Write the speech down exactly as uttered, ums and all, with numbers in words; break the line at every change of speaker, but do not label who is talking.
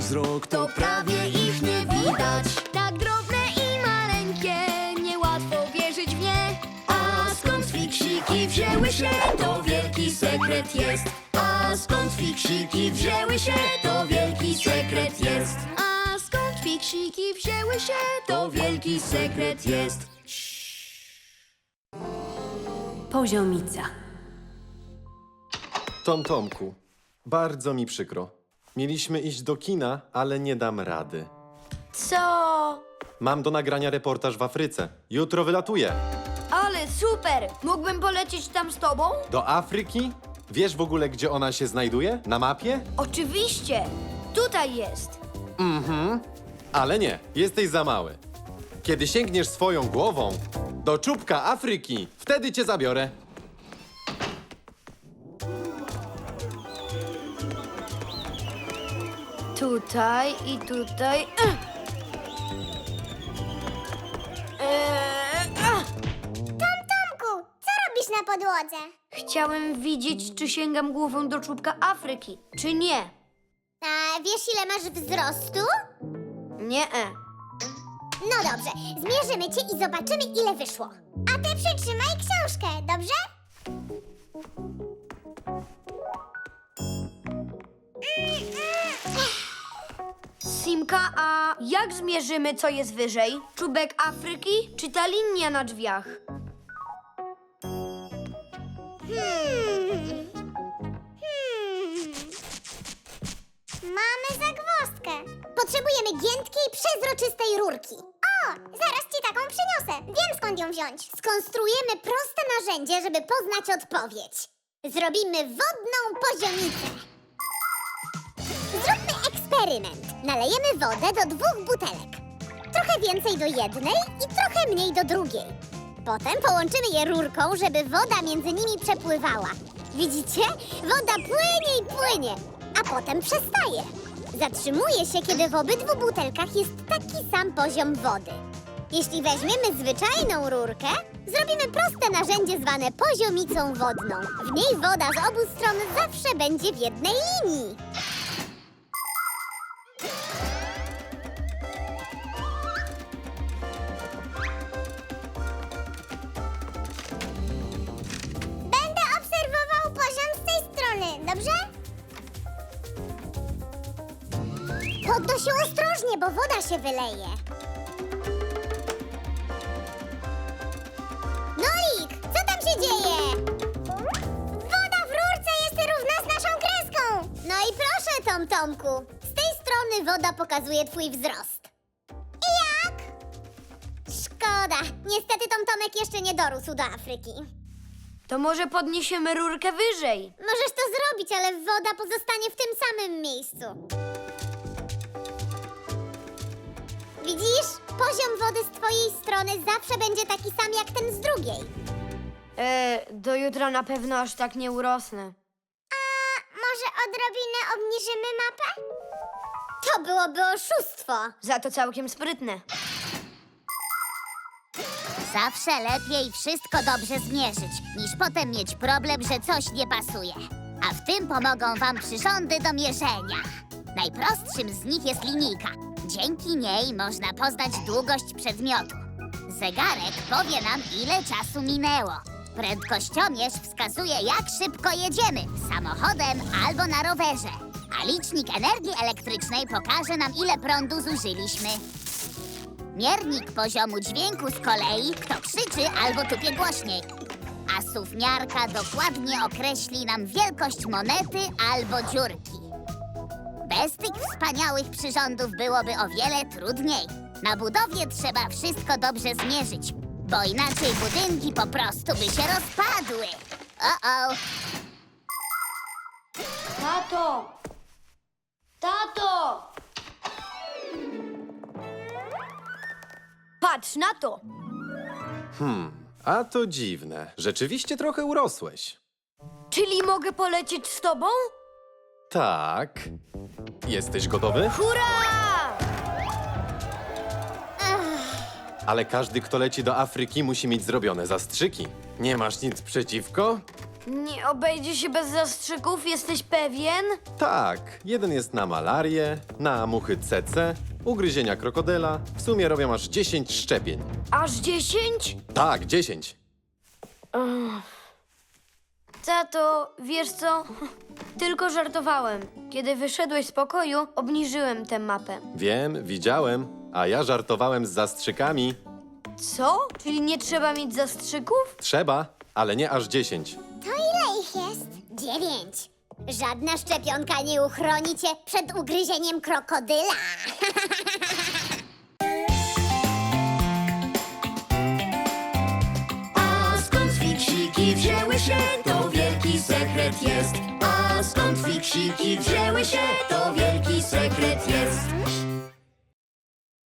wzrok, to prawie ich nie widać.
Tak drobne i maleńkie, niełatwo wierzyć w nie.
A skąd fiksiki wzięły się, to wielki sekret jest. A skąd fiksiki wzięły się, to wielki sekret jest.
A skąd fiksiki wzięły się,
To wielki sekret jest.
Poziomica.
Tom Tomku, bardzo mi przykro. Mieliśmy iść do kina, ale nie dam rady.
Co?
Mam do nagrania reportaż w Afryce. Jutro wylatuję.
Ale super! Mógłbym polecieć tam z tobą?
Do Afryki? Wiesz w ogóle, gdzie ona się znajduje? Na mapie?
Oczywiście! Tutaj jest!
Mhm. Ale nie, jesteś za mały. Kiedy sięgniesz swoją głową do czubka Afryki, wtedy cię zabiorę.
Tutaj i tutaj. Ech. Eee, ach.
Tomku, co robisz na podłodze?
Chciałem widzieć, czy sięgam głową do czubka Afryki, czy nie.
A wiesz, ile masz wzrostu?
Nie. -e.
No dobrze, zmierzymy cię i zobaczymy, ile wyszło. A ty przytrzymaj książkę, dobrze?
Simka, a jak zmierzymy, co jest wyżej? Czubek Afryki, czy ta linia na drzwiach?
Hmm. Hmm. Mamy zagwozdkę. Potrzebujemy giętkiej, przezroczystej rurki. O, zaraz ci taką przyniosę. Wiem, skąd ją wziąć. Skonstruujemy proste narzędzie, żeby poznać odpowiedź. Zrobimy wodną poziomicę. Zróbmy eksperyment. Nalejemy wodę do dwóch butelek. Trochę więcej do jednej i trochę mniej do drugiej. Potem połączymy je rurką, żeby woda między nimi przepływała. Widzicie? Woda płynie i płynie, a potem przestaje. Zatrzymuje się, kiedy w obydwu butelkach jest taki sam poziom wody. Jeśli weźmiemy zwyczajną rurkę, zrobimy proste narzędzie zwane poziomicą wodną. W niej woda z obu stron zawsze będzie w jednej linii. Będę obserwował poziom z tej strony, dobrze? Podnoś się ostrożnie, bo woda się wyleje. Nolik, co tam się dzieje? Woda w rurce jest równa z naszą kreską. No i proszę, Tom Tomku. Z tej strony woda pokazuje twój wzrost. I jak? Szkoda. Niestety Tom Tomek jeszcze nie dorósł do Afryki.
To może podniesiemy rurkę wyżej?
Możesz to zrobić, ale woda pozostanie w tym samym miejscu. Widzisz? Poziom wody z twojej strony zawsze będzie taki sam jak ten z drugiej.
E, do jutra na pewno aż tak nie urosnę.
A może odrobinę obniżymy mapę? To byłoby oszustwo.
Za to całkiem sprytne.
Zawsze lepiej wszystko dobrze zmierzyć, niż potem mieć problem, że coś nie pasuje. A w tym pomogą wam przyrządy do mierzenia. Najprostszym z nich jest linijka. Dzięki niej można poznać długość przedmiotu. Zegarek powie nam, ile czasu minęło. Prędkościomierz wskazuje, jak szybko jedziemy, samochodem albo na rowerze. A licznik energii elektrycznej pokaże nam, ile prądu zużyliśmy. Miernik poziomu dźwięku z kolei, kto krzyczy albo tupie głośniej. A suwmiarka dokładnie określi nam wielkość monety albo dziurki. Bez tych wspaniałych przyrządów byłoby o wiele trudniej. Na budowie trzeba wszystko dobrze zmierzyć, bo inaczej budynki po prostu by się rozpadły. O-o!
Tato! Tato! Patrz na to!
Hmm, a to dziwne. Rzeczywiście trochę urosłeś.
Czyli mogę polecieć z tobą?
Tak. Jesteś gotowy?
Hurra!
Ale każdy, kto leci do Afryki, musi mieć zrobione zastrzyki. Nie masz nic przeciwko?
Nie obejdzie się bez zastrzyków, jesteś pewien?
Tak, jeden jest na malarię, na muchy C C, ugryzienia krokodyla. W sumie robią aż dziesięć szczepień.
Aż dziesięć?
Tak, dziesięć.
Tato, wiesz co? Tylko żartowałem. Kiedy wyszedłeś z pokoju, obniżyłem tę mapę.
Wiem, widziałem, a ja żartowałem z zastrzykami.
Co? Czyli nie trzeba mieć zastrzyków?
Trzeba, ale nie aż dziesięć.
To ile ich jest? Dziewięć. Żadna szczepionka nie uchroni cię przed ugryzieniem krokodyla.
A skąd fiksiki wzięły się, to wielki sekret jest. A skąd fiksiki wzięły się, to wielki sekret jest.